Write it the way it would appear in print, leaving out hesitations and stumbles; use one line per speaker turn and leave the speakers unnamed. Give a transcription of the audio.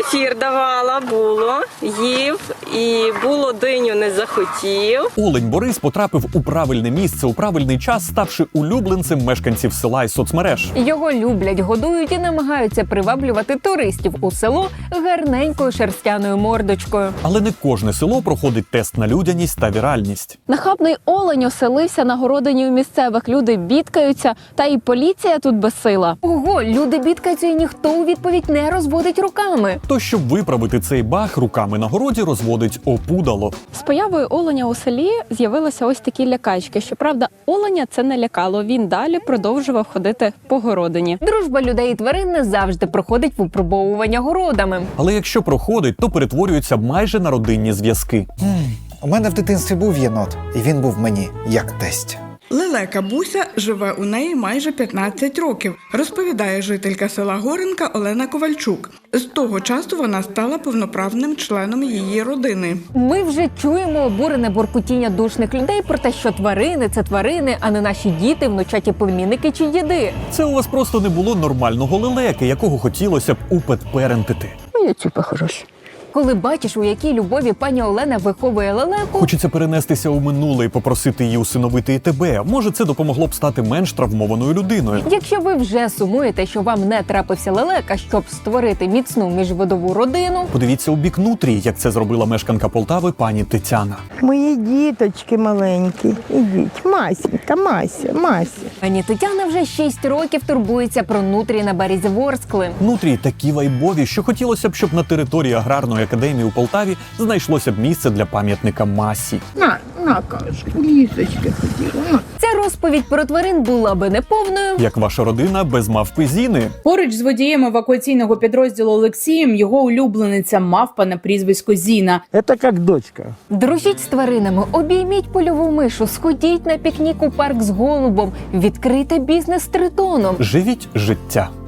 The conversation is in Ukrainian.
Кефір давала, було, їв, і було диню не захотів.
Олень Борис потрапив у правильне місце у правильний час, ставши улюбленцем мешканців села і соцмереж.
Його люблять, годують і намагаються приваблювати туристів у село гарненькою шерстяною мордочкою.
Але не кожне село проходить тест на людяність та віральність.
Нахабний олень оселився на городині у місцевих. Люди бідкаються, та і поліція тут безсила.
Ого, люди бідкаються і ніхто у відповідь не розводить руками.
То, щоб виправити цей баг, руками на городі розводить опудало.
З появою оленя у селі з'явилися ось такі лякачки. Щоправда, оленя це не лякало. Він далі продовжував ходити по городині.
Дружба людей і тварин не завжди проходить випробовування городами.
Але якщо проходить, то перетворюється майже на родинні зв'язки.
У мене в дитинстві був єнот, і він був мені як тесть.
Лелека Буся живе у неї майже 15 років, розповідає жителька села Горенка Олена Ковальчук. З того часу вона стала повноправним членом її родини.
Ми вже чуємо обурене буркутіння душних людей про те, що тварини – це тварини, а не наші діти, внучаті племінники чи діди.
Це у вас просто не було нормального лелеки, якого хотілося б упетперентити.
Коли бачиш, у якій любові пані Олена виховує лелеку,
Хочеться перенестися у минуле і попросити її усиновити і тебе. Може, це допомогло б стати менш травмованою людиною.
якщо ви вже сумуєте, що вам не трапився лелека, щоб створити міцну міжвидову родину,
Подивіться у бік нутрії, як це зробила мешканка Полтави пані Тетяна.
Мої діточки маленькі, ідіть, Масенька, Мася.
пані Тетяна вже 6 років турбується про нутрії на березі Ворскли.
Нутрії такі вайбові, що хотілося б, щоб на території аграрної академії у Полтаві знайшлося б місце для пам'ятника Масі.
На, кашку, лісочки хотіла.
Ця розповідь про тварин була би неповною,
Як ваша родина без мавпи Зіни.
Поруч з водієм евакуаційного підрозділу Олексієм його улюблениця мавпа на прізвисько Зіна.
Це як дочка.
дружіть з тваринами, обійміть польову мишу, сходіть на пікнік у парк з голубом, відкрийте бізнес з тритоном.
Живіть життя.